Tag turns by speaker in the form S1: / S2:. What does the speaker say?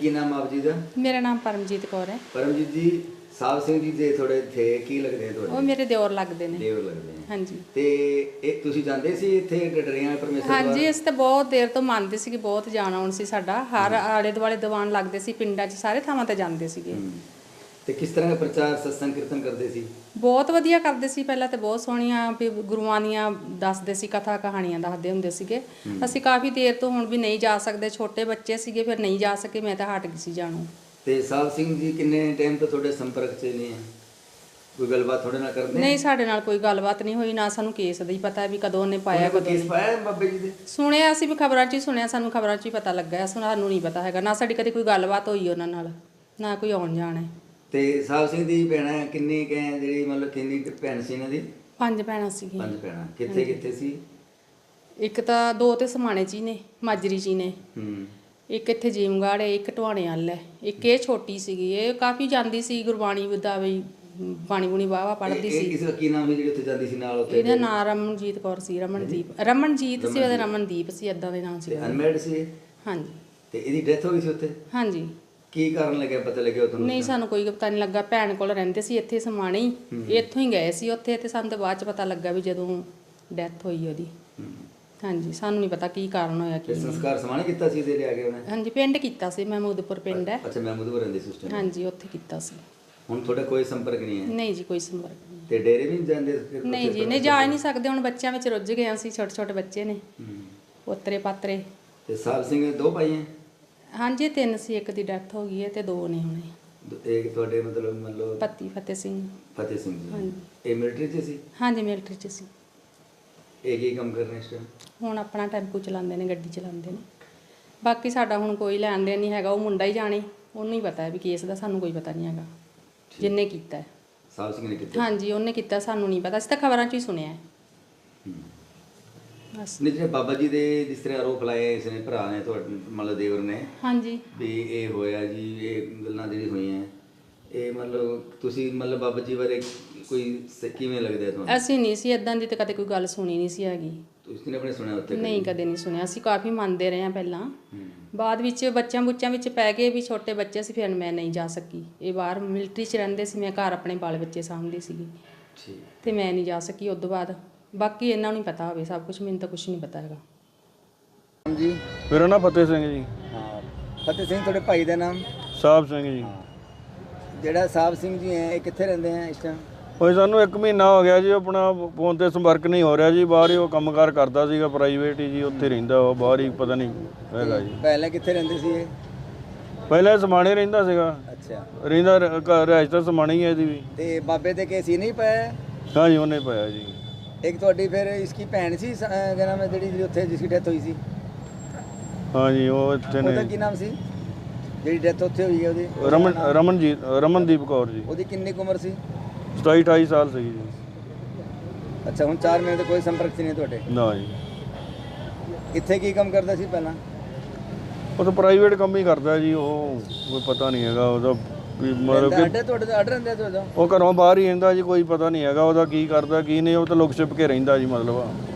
S1: ਕੀ ਨਾਮ ਆਪ ਜੀ ਦਾ?
S2: ਮੇਰਾ ਨਾਮ ਪਰਮਜੀਤ ਕੌਰ ਹੈ।
S1: ਪਰਮਜੀਤ ਜੀ, ਸਾਹਿਬ ਸਿੰਘ ਜੀ ਦੇ ਥੋੜੇ ਥੇ ਕੀ ਲੱਗਦੇ ਤੁਹਾਡੇ?
S2: ਉਹ ਮੇਰੇ ਦਿਓਰ ਲੱਗਦੇ ਨੇ।
S1: ਦੇਵਰ ਲੱਗਦੇ ਨੇ।
S2: ਹਾਂਜੀ।
S1: ਤੇ ਇਹ ਤੁਸੀਂ ਜਾਂਦੇ ਸੀ ਇੱਥੇ ਡਡਰੀਆਂ ਪਰਮੇਸ਼ਰ ਦਰਬਾਰ?
S2: ਹਾਂਜੀ, ਅਸੀਂ ਤਾਂ ਬਹੁਤ ਦੇਰ ਤੋਂ ਮੰਨਦੇ ਸੀਗੇ, ਬਹੁਤ ਜਾਣ ਆਉਣ ਸੀ ਸਾਡਾ। ਹਰ ਆਲੇ ਦੁਆਲੇ ਦੀਵਾਨ ਲੱਗਦੇ ਸੀ, ਪਿੰਡਾਂ 'ਚ ਸਾਰੇ ਥਾਵਾਂ ਤੇ ਜਾਂਦੇ ਸੀਗੇ।
S1: ਤੇ ਕਿਸ ਤਰ੍ਹਾਂ ਦਾ ਪ੍ਰਚਾਰ ਸਤਸੰਗ ਕੀਰਤਨ ਕਰਦੇ ਸੀ?
S2: ਬਹੁਤ ਵਧੀਆ ਕਰਦੇ ਸੀ। ਪਹਿਲਾਂ ਤੇ ਬਹੁਤ ਸੋਹਣੀਆਂ ਵੀ ਗੁਰੂਆਂ ਦੀਆਂ ਦੱਸਦੇ ਸੀ, ਕਥਾ ਕਹਾਣੀਆਂ ਦੱਸਦੇ ਹੁੰਦੇ ਸੀਗੇ। ਅਸੀਂ ਕਾਫੀ ਦੇਰ ਤੋਂ ਹੁਣ ਵੀ ਨਹੀਂ ਜਾ ਸਕਦੇ, ਛੋਟੇ ਬੱਚੇ ਸੀਗੇ, ਫਿਰ ਨਹੀਂ ਜਾ ਸਕੇ, ਮੈਂ ਤਾਂ ਹਟ ਗਈ ਸੀ ਜਾਣੋਂ।
S1: ਤੇ ਸਾਹਿਬ ਸਿੰਘ ਜੀ ਕਿੰਨੇ ਟਾਈਮ ਤੋਂ ਤੁਹਾਡੇ ਸੰਪਰਕ 'ਚ ਨਹੀਂ ਹੈ? ਕੋਈ ਗੱਲਬਾਤ ਤੁਹਾਡੇ ਨਾਲ ਕਰਦੇ?
S2: ਨਹੀਂ, ਸਾਡੇ ਨਾਲ ਕੋਈ ਗੱਲਬਾਤ ਨਹੀਂ ਹੋਈ, ਨਾ ਸਾਨੂੰ ਕੇਸ ਦਾ ਹੀ ਪਤਾ ਵੀ ਕਦੋਂ ਉਹਨੇ ਪਾਇਆ, ਕਦੋਂ
S1: ਕੇਸ ਪਾਇਆ ਬਾਬੇ ਜੀ ਦੇ?
S2: ਸੁਣਿਆ ਅਸੀਂ ਵੀ, ਖਬਰਾਂ 'ਚ ਹੀ ਸੁਣਿਆ, ਸਾਨੂੰ ਖਬਰਾਂ 'ਚ ਹੀ ਪਤਾ ਲੱਗਾ। ਸਾਨੂੰ ਨਹੀਂ ਪਤਾ ਹੈਗਾ, ਨਾ ਸਾਡੀ ਕਦੇ ਕੋਈ ਗੱਲਬਾਤ ਹੋਈ ਉਹਨਾਂ ਨਾਲ, ਨਾ ਕੋਈ ਆਉਣ ਜਾਣ ਹੈ।
S1: ਤੇ ਸਾਹਿਬ ਸਿੰਘ ਦੀ ਭੈਣਾਂ ਕਿੰਨੀ ਕੁ ਹੈ ਜਿਹੜੀ ਮਤਲਬ ਕਿੰਨੀ ਕੁ ਭੈਣ ਸੀ ਇਹਨਾਂ ਦੀ?
S2: 5 ਭੈਣਾਂ ਸੀਗੀਆਂ।
S1: 5 ਭੈਣਾਂ। ਕਿੱਥੇ ਕਿੱਥੇ ਸੀ?
S2: ਇੱਕ ਤਾਂ 2 ਤੇ ਸਮਾਣੇ 'ਚ ਹੀ ਨੇ, ਮਾਜਰੀ 'ਚ ਹੀ ਨੇ। ਇੱਕ ਇੱਥੇ ਜੀਮਗੜ੍ਹ ਹੈ, ਇੱਕ ਟਵਾਣੇ ਵੱਲ ਹੈ, ਇੱਕ ਇਹ ਛੋਟੀ ਸੀਗੀ। ਇਹ ਕਾਫੀ ਜਾਂਦੀ ਸੀ ਗੁਰਬਾਣੀ ਦਾ ਵੀ, ਬਾਣੀ ਬੁਣੀ ਵਾਹਵਾ ਪੜ੍ਹਦੀ ਸੀ।
S1: ਕਿਸੇ ਦਾ ਕੀ ਨਾਮ ਸੀ ਜਿਹੜੀ ਉੱਥੇ ਜਾਂਦੀ ਸੀ ਨਾਲ? ਉੱਥੇ
S2: ਇਹਦਾ ਨਾਂ ਰਮਨਜੀਤ ਕੌਰ ਸੀ। ਰਮਨਜੀਤ ਸੀ ਉਹਦਾ, ਰਮਨਦੀਪ ਸੀ, ਏਦਾਂ ਦੇ ਨਾਮ ਸੀ।
S1: ਅਨਮੈਰਿਡ ਸੀ?
S2: ਹਾਂਜੀ।
S1: ਤੇ ਇਹਦੀ ਡੈਥ ਹੋ ਗਈ ਸੀ ਉੱਥੇ?
S2: ਹਾਂਜੀ।
S1: ਕੀ ਕਾਰਨ ਲੱਗਿਆ, ਪਤਾ ਲੱਗਿਆ ਤੁਹਾਨੂੰ?
S2: ਨਹੀਂ, ਸਾਨੂੰ ਕੋਈ ਪਤਾ ਨਹੀਂ ਲੱਗਾ। ਭੈਣ ਕੋਲ ਰਹਿੰਦੇ ਸੀ ਇੱਥੇ ਸਮਾਣੇ ਹੀ, ਇੱਥੋਂ ਹੀ ਗਏ ਸੀ ਉੱਥੇ, ਤੇ ਸਾਨੂੰ ਤਾਂ ਬਾਅਦ 'ਚ ਪਤਾ ਲੱਗਾ ਵੀ ਜਦੋਂ ਡੈਥ ਹੋਈ ਉਹਦੀ। ਹਾਂਜੀ, ਸਾਨੂੰ ਨਹੀਂ ਪਤਾ ਕੀ ਕਾਰਨ ਹੋਇਆ ਕੀ।
S1: ਸੰਸਕਾਰ ਸਮਾਣੇ ਕੀਤਾ ਸੀ ਇਹਦੇ ਲਿਆ ਕੇ ਉਹਨੇ?
S2: ਹਾਂਜੀ, ਪਿੰਡ ਕੀਤਾ ਸੀ, ਮਹਿਮੂਦਪੁਰ ਪਿੰਡ ਹੈ।
S1: ਅੱਛਾ, ਮਹਿਮੂਦਪੁਰ ਰਹਿੰਦੇ ਸੀ ਉਸ ਟਾਈਮ?
S2: ਹਾਂਜੀ, ਉੱਥੇ ਕੀਤਾ ਸੀ।
S1: ਹੁਣ ਤੁਹਾਡਾ ਕੋਈ ਸੰਪਰਕ ਨਹੀਂ ਹੈ?
S2: ਨਹੀਂ ਜੀ, ਕੋਈ ਸੰਪਰਕ ਨਹੀਂ।
S1: ਤੇ ਡੇਰੇ ਵੀ ਨਹੀਂ ਜਾਂਦੇ?
S2: ਨਹੀਂ ਜੀ, ਨਹੀਂ ਜਾ ਹੀ ਨਹੀਂ ਸਕਦੇ, ਹੁਣ ਬੱਚਿਆਂ ਵਿੱਚ ਰੁੱਝ ਗਏ ਅਸੀਂ, ਛੋਟੇ ਛੋਟੇ ਬੱਚੇ ਨੇ, ਪੋਤਰੇ ਪਾਤਰੇ।
S1: ਤੇ ਸਾਹਿਬ ਸਿੰਘ ਦੇ 2 ਭਾਈ ਹੈ?
S2: ਹਾਂਜੀ, 3 ਸੀ, ਇੱਕ ਦੀ ਡੈਥ ਹੋ ਗਈ ਹੈ ਤੇ 2 ਨੇ ਹੁਣੇ।
S1: ਇੱਕ ਤੁਹਾਡੇ ਮਤਲਬ
S2: ਪਤੀ ਫਤਿਹ ਸਿੰਘ।
S1: ਫਤਿਹ ਸਿੰਘ ਜੀ।
S2: ਹਾਂਜੀ।
S1: ਇਹ ਮਿਲਟਰੀ 'ਚ ਸੀ?
S2: ਹਾਂਜੀ, ਮਿਲਟਰੀ 'ਚ ਸੀ।
S1: ਇਹ ਕੀ ਕੰਮ ਕਰ ਰਹੇ ਇਸ ਟਾਈਮ?
S2: ਹੁਣ ਆਪਣਾ ਟੈਂਪੂ ਚਲਾਉਂਦੇ ਨੇ, ਗੱਡੀ ਚਲਾਉਂਦੇ ਨੇ। ਬਾਕੀ ਸਾਡਾ ਹੁਣ ਕੋਈ ਲੈਣ ਦੇਣ ਨਹੀਂ ਹੈਗਾ, ਉਹ ਮੁੰਡਾ ਹੀ ਜਾਣੇ, ਉਹਨੂੰ ਹੀ ਪਤਾ ਹੈ ਵੀ ਕੇਸ ਦਾ, ਸਾਨੂੰ ਕੋਈ ਪਤਾ ਨਹੀਂ ਹੈਗਾ ਜਿੰਨੇ ਕੀਤਾ ਹੈ।
S1: ਸਾਹਿਬ ਸਿੰਘ ਨੇ ਕੀਤਾ?
S2: ਹਾਂਜੀ, ਉਹਨੇ ਕੀਤਾ, ਸਾਨੂੰ ਨਹੀਂ ਪਤਾ, ਅਸੀਂ ਤਾਂ ਖਬਰਾਂ 'ਚ ਹੀ ਸੁਣਿਆ ਹੈ ਬਸ।
S1: ਨਹੀਂ, ਜਿਹੜੇ ਬਾਬਾ ਜੀ ਦੇ ਜਿਸ ਤਰ੍ਹਾਂ ਆਰੋਪ ਲਾਏ ਇਸ ਨੇ ਭਰਾ ਨੇ ਤੁਹਾਡੇ ਮਤਲਬ ਦੇਵਰ ਨੇ,
S2: ਹਾਂਜੀ,
S1: ਵੀ ਇਹ ਹੋਇਆ ਜੀ, ਇਹ ਗੱਲਾਂ ਜਿਹੜੀ ਹੋਈਆਂ, ਇਹ ਮਤਲਬ ਤੁਸੀਂ ਮਤਲਬ ਬਾਬਾ ਜੀ ਬਾਰੇ ਕੋਈ ਕਿਵੇਂ ਲੱਗਦਾ ਤੁਹਾਨੂੰ?
S2: ਅਸੀਂ ਨਹੀਂ ਸੀ ਇਦਾਂ ਦੀ, ਤਾਂ ਕਦੇ ਕੋਈ ਗੱਲ ਸੁਣੀ ਨਹੀਂ ਸੀ ਹੈਗੀ।
S1: ਤੁਸੀਂ ਨੇ ਆਪਣੇ ਸੁਣਿਆ ਉੱਥੇ?
S2: ਨਹੀਂ, ਕਦੇ ਨਹੀਂ ਸੁਣਿਆ। ਅਸੀਂ ਕਾਫੀ ਮੰਨਦੇ ਰਹੇ ਹਾਂ ਪਹਿਲਾਂ, ਬਾਅਦ ਵਿੱਚ ਬੱਚਿਆਂ ਬੁੱਚਿਆਂ ਵਿੱਚ ਪੈ ਗਏ ਵੀ, ਛੋਟੇ ਬੱਚੇ ਸੀ, ਫਿਰ ਮੈਂ ਨਹੀਂ ਜਾ ਸਕੀ। ਇਹ ਬਾਹਰ ਮਿਲਟਰੀ 'ਚ ਰਹਿੰਦੇ ਸੀ, ਮੈਂ ਘਰ ਆਪਣੇ ਬਾਲ ਬੱਚੇ ਸਾਂਭਦੀ ਸੀਗੀ, ਤੇ ਮੈਂ ਨਹੀਂ ਜਾ ਸਕੀ। ਉਸ ਤੋਂ ਬਾਅਦ ਬਾਕੀ ਇਹਨਾਂ ਨੂੰ ਪਤਾ ਹੋਵੇ ਸਭ ਕੁਝ, ਮੈਨੂੰ ਤਾਂ ਕੁਝ ਨਹੀਂ ਪਤਾ ਹੈਗਾ।
S1: ਜੀ,
S3: ਮੇਰਾ ਨਾਮ ਫਤਿਹ ਸਿੰਘ ਜੀ।
S1: ਹਾਂ, ਫਤਿਹ ਸਿੰਘ। ਤੁਹਾਡੇ ਭਾਈ ਦਾ ਨਾਮ?
S3: ਸਾਹਿਬ ਸਿੰਘ ਜੀ।
S1: ਜਿਹੜਾ ਸਾਹਿਬ ਸਿੰਘ ਜੀ ਹੈ, ਇਹ ਕਿੱਥੇ ਰਹਿੰਦੇ ਆ ਇਸ ਟਾਈਮ?
S3: ਹੋਏ ਸਾਨੂੰ 1 ਮਹੀਨਾ ਹੋ ਗਿਆ ਜੀ, ਆਪਣਾ ਫੋਨ ਤੇ ਸੰਪਰਕ ਨਹੀਂ ਹੋ ਰਿਹਾ ਜੀ। ਬਾਹਰ ਹੀ ਉਹ ਕੰਮਕਾਰ ਕਰਦਾ ਸੀਗਾ, ਪ੍ਰਾਈਵੇਟ ਹੀ ਜੀ, ਉੱਥੇ ਰਹਿੰਦਾ ਉਹ, ਬਾਹਰ ਹੀ ਪਤਾ ਨਹੀਂ ਹੈਗਾ ਜੀ।
S1: ਪਹਿਲਾਂ ਕਿੱਥੇ ਰਹਿੰਦੇ ਸੀ ਇਹ?
S3: ਪਹਿਲਾਂ ਸਮਾਣੇ ਰਹਿੰਦਾ ਸੀਗਾ।
S1: ਅੱਛਾ।
S3: ਰਹਿੰਦਾ ਰਿਹਾਇਸ਼ ਤਾਂ ਸਮਾਣੇ ਹੀ ਹੈ ਇਹਦੀ ਵੀ।
S1: ਤੇ ਬਾਬੇ ਦੇ ਕੇਸ ਹੀ ਨਹੀਂ ਪਾਇਆ?
S3: ਹਾਂਜੀ, ਉਹਨੇ ਪਾਇਆ ਜੀ।
S1: ਇੱਕ ਤੁਹਾਡੀ ਫਿਰ ਇਸकी ਭੈਣ ਸੀ, ਕਿਆ ਨਾਮ ਹੈ ਜਿਹੜੀ ਉੱਥੇ ਜਿਸकी ਡੈਥ ਹੋਈ ਸੀ?
S3: ਹਾਂਜੀ, ਉਹ ਇੱਥੇ
S1: ਉਹਦਾ
S3: ਨੇ।
S1: ਕੀ ਨਾਮ ਸੀ ਜਿਹੜੀ ਡੈਥ ਉੱਥੇ ਹੋਈ ਹੈ ਉਹਦੀ?
S3: ਰਮਨਦੀਪ ਕੌਰ ਜੀ।
S1: ਉਹਦੀ ਕਿੰਨੀ ਕੁ ਉਮਰ ਸੀ?
S3: 27-28 ਸਾਲ ਸੀਗੀ ਜੀ।
S1: ਅੱਛਾ, ਹੁਣ 4 ਮਹੀਨੇ ਤੋਂ ਕੋਈ ਸੰਪਰਕ 'ਚ ਨਹੀਂ ਤੁਹਾਡੇ?
S3: ਨਾ ਜੀ।
S1: ਇੱਥੇ ਕੀ ਕੰਮ ਕਰਦਾ ਸੀ ਪਹਿਲਾਂ?
S3: ਉਹ ਤਾਂ ਪ੍ਰਾਈਵੇਟ ਕੰਮ ਹੀ ਕਰਦਾ ਜੀ, ਉਹ ਕੋਈ ਪਤਾ ਨਹੀਂ ਹੈਗਾ ਉਹਦਾ ਵੀ, ਮਤਲਬ ਕਿ
S1: ਤੁਹਾਡੇ ਦਾ ਆਰਡਰ ਰਹਿੰਦਾ ਤੁਹਾਡਾ?
S3: ਉਹ ਘਰੋਂ ਬਾਹਰ ਹੀ ਰਹਿੰਦਾ ਜੀ, ਕੋਈ ਪਤਾ ਨਹੀਂ ਹੈਗਾ ਉਹਦਾ ਕੀ ਕਰਦਾ ਕੀ ਨਹੀਂ। ਉਹ ਤਾਂ ਲੁਕ ਛਿਪ ਕੇ ਰਹਿੰਦਾ ਜੀ, ਮਤਲਬ